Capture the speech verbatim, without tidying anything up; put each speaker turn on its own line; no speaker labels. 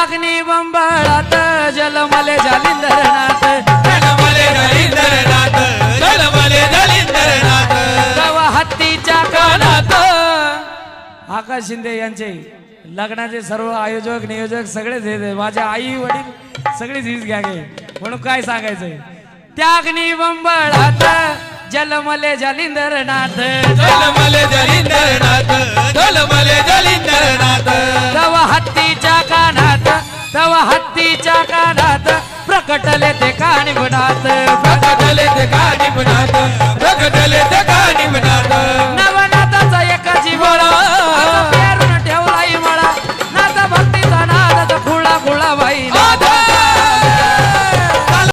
त्याग्नी बंबळात जलमले जालिंदरनाथ
जलमले जालिंदरनाथ जलमले जालिंदरनाथ
तवा हत्तीच्या कानात आकाश शिंदे यांचे लग्नाचे सर्व आयोजक नियोजक सगळेच हे माझ्या आई वडील सगळेच हीच घ्या गे म्हणून काय सांगायचंय त्याग्नी बंबळात जलमले जालिंदरनाथ
जलमले जालिंदरनाथ जलमले जालिंदरनाथ
तवा हत्तीच्या कानात तवा हत्तीच्या कानात प्रकटले ते कानिगुणात